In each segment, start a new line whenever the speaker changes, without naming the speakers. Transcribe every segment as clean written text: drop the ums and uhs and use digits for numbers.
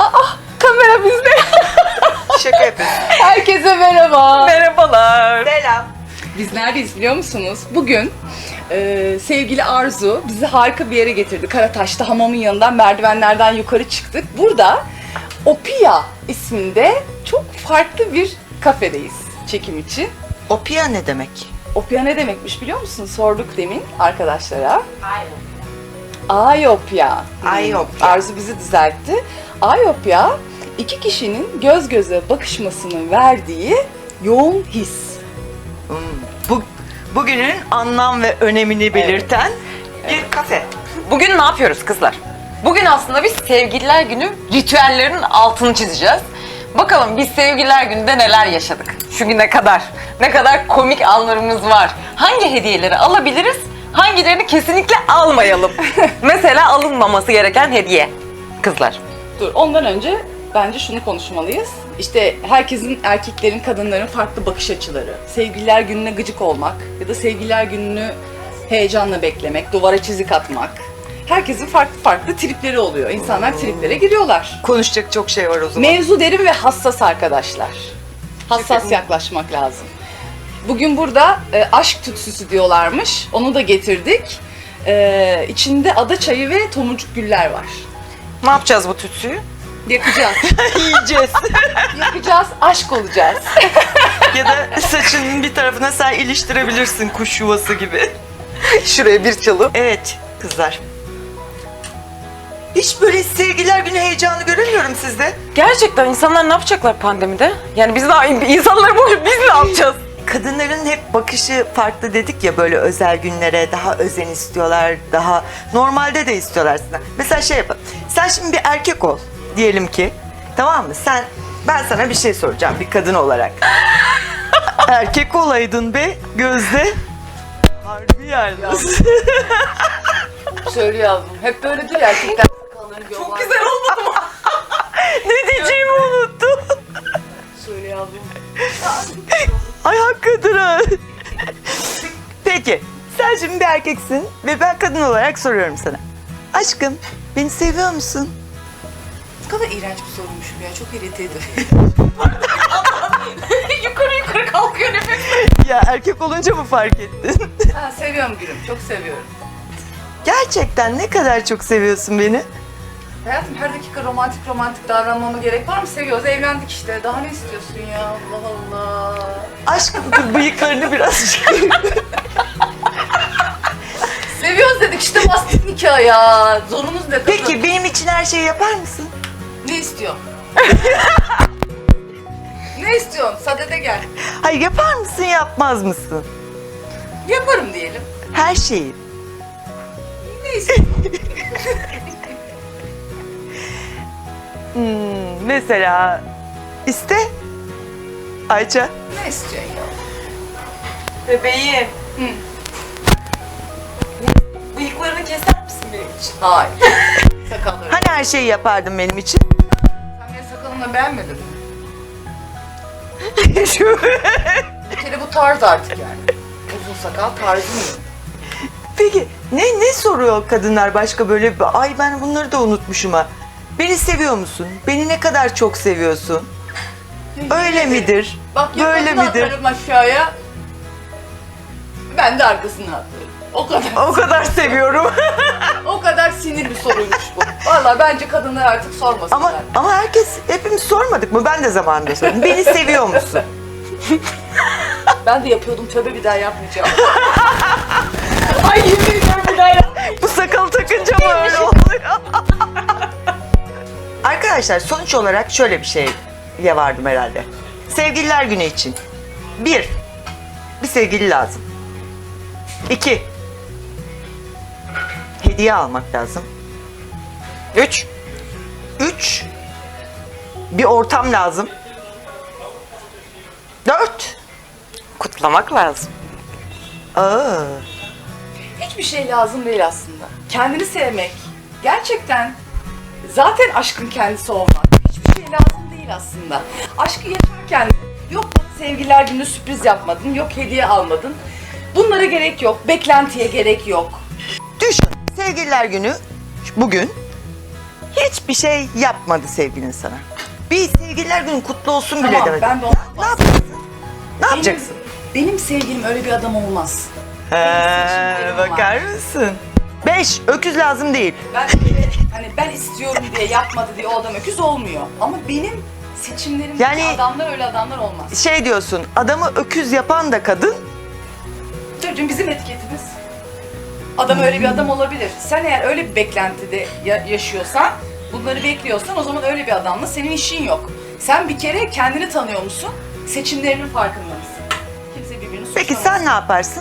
Kamera bizde.
Şaka yapıyorsun.
Herkese merhaba.
Merhabalar.
Selam.
Biz neredeyiz biliyor musunuz? Bugün sevgili Arzu bizi harika bir yere getirdi. Karataş'ta hamamın yanından merdivenlerden yukarı çıktık. Burada Opia isminde çok farklı bir kafedeyiz çekim için.
Opia ne demek?
Opia ne demekmiş biliyor musun? Sorduk demin arkadaşlara. Ayopya.
Ayopya.
Arzu bizi düzeltti. Ayopya, iki kişinin göz göze bakışmasının verdiği yoğun his.
Bugünün anlam ve önemini belirten bir kafe.
Bugün ne yapıyoruz kızlar? Bugün aslında biz Sevgililer Günü ritüellerinin altını çizeceğiz. Bakalım biz Sevgililer Günü'nde neler yaşadık? Şu güne kadar. Ne kadar komik anlarımız var. Hangi hediyeleri alabiliriz? Hangilerini kesinlikle almayalım? Mesela alınmaması gereken hediye. Kızlar.
Dur, ondan önce bence şunu konuşmalıyız. İşte herkesin, erkeklerin, kadınların farklı bakış açıları. Sevgililer Günü'ne gıcık olmak ya da Sevgililer Günü'nü heyecanla beklemek, duvara çizik atmak. Herkesin farklı farklı tripleri oluyor. İnsanlar triplere giriyorlar.
Konuşacak çok şey var o zaman.
Mevzu derin ve hassas arkadaşlar. Hassas yaklaşmak lazım. Bugün burada aşk tütsüsü diyorlarmış. Onu da getirdik. İçinde ada çayı ve tomurcuk güller var.
Ne yapacağız bu tütsüyü?
Yakacağız.
Yiyeceğiz.
Yakacağız, aşk olacağız.
Ya da saçının bir tarafına sen iliştirebilirsin kuş yuvası gibi.
Şuraya bir çalıp.
Evet kızlar. Hiç böyle sevgililer günü heyecanı göremiyorum sizde.
Gerçekten insanlar ne yapacaklar pandemide? Yani biz de insanlar böyle biz ne yapacağız?
Kadınların hep bakışı farklı dedik ya, böyle özel günlere daha özen istiyorlar, daha normalde de istiyorlar aslında. Mesela şey yapalım, sen şimdi bir erkek ol diyelim ki, tamam mı? Ben sana bir şey soracağım bir kadın olarak. Erkek olaydın be Gözde. Harbi yalnız.
Şöyle yazdım. Hep böyle değil erkekler.
Çok güzel olmadı mı? Ne diyeceğimi unuttum.
Şöyle yazdım.
Ay hakikaten ha. Peki, sen şimdi bir erkeksin ve ben kadın olarak soruyorum sana. Aşkım, beni seviyor musun?
Ne kadar iğrenç bir sorunmuş bu ya. Çok irite ediyor.
yukarı kalkıyor nefes.
Ya erkek olunca mı fark ettin?
Ha, seviyorum gülüm. Çok seviyorum.
Gerçekten ne kadar çok seviyorsun beni?
Hayatım her dakika romantik davranmama gerek var mı? Seviyoruz, evlendik işte. Daha ne istiyorsun ya? Allah Allah.
Aşkım bıyıklarını biraz...
Seviyoruz dedik işte, bastık nikah ya. Zorumuz ne?
Peki benim için her şeyi yapar mısın?
Ne istiyorsun? Ne istiyorsun? Sadede gel.
Hayır, yapar mısın yapmaz mısın?
Yaparım diyelim.
Her şeyi.
Ne istiyorsun?
Mesela iste. Ayça.
Ne istiyorsun ya?
Bebeğim.
Hı.
Bıyıklarını keser misin benim için?
Hayır. Sakalları.
Hani her şeyi yapardın benim için?
Sen benim sakalımı beğenmedin mi? Bir kere bu tarz artık yani. Uzun sakal tarzı mı?
Peki ne soruyor kadınlar başka böyle? Ay ben bunları da unutmuşum ha. Beni seviyor musun? Beni ne kadar çok seviyorsun? Öyle midir?
Bak
Böyle
yakasını
midir?
atarım aşağıya. Ben de arkasını atarım. O kadar.
O kadar seviyorum.
O kadar sinir bir soruymuş bu. Vallahi bence kadınlar artık sormasınlar.
ama hepimiz sormadık mı? Ben de zamanında sordum. Beni seviyor musun?
Ben de yapıyordum, tövbe bir daha yapmayacağım. Ay yemin ediyorum bir daha yapmayacağım.
Bu sakal takınca mı öyle oluyor? Arkadaşlar sonuç olarak şöyle bir şeye vardım herhalde. Sevgililer günü için. Bir sevgili lazım. 2 hediye almak lazım. 3 bir ortam lazım. 4
Kutlamak lazım.
Hiçbir şey lazım değil aslında. Kendini sevmek. Gerçekten zaten aşkın kendisi olmak. Hiçbir şey lazım değil aslında. Aşkı yaşarken yok sevgililer günü sürpriz yapmadın, yok hediye almadın. Bunlara gerek yok, beklentiye gerek yok.
Düşün, sevgililer günü bugün hiçbir şey yapmadı sevgilin sana. Bir sevgililer günün kutlu olsun bile
Tamam,
demedi.
ben de
Ne yapacaksın? Ne yapacaksın?
Benim sevgilim öyle bir adam olmaz.
He, bakar mısın? 5, öküz lazım değil.
Ben hani ben istiyorum diye yapmadı diye o adam öküz olmuyor. Ama benim seçimlerimdeki
Yani-
adamlar öyle adamlar olmaz.
Şey diyorsun, adamı öküz yapan da kadın.
Çocuğum bizim etiketimiz. Adam öyle bir adam olabilir. Sen eğer öyle bir beklentide yaşıyorsan, bunları bekliyorsan o zaman öyle bir adamla senin işin yok. Sen bir kere kendini tanıyor musun? Seçimlerinin farkında mısın? Kimse birbirini suçlamaz.
Peki sen ne yaparsın?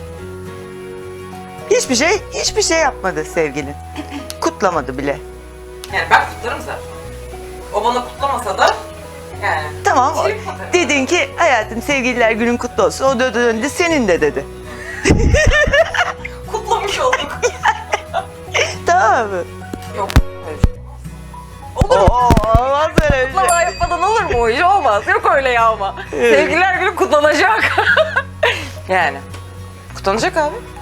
Hiçbir şey yapmadı sevgilin. Kutlamadı bile.
Yani ben kutlarım zaten. O bana kutlamasa da yani.
Tamam,
Trip atarım.
dedin ki hayatım sevgililer günün kutlu olsun. O da döndü senin de dedi.
Kutlamış olduk.
Tamam mı?
Yok. öyle bir şey olmaz. Olur mu?
Olmaz öyle bir şey.
Kutlama yapmadan olur mu o iş? Olmaz. Yok öyle ya ama.
Evet.
Sevgililer günü kutlanacak. Yani. Kutlanacak abi.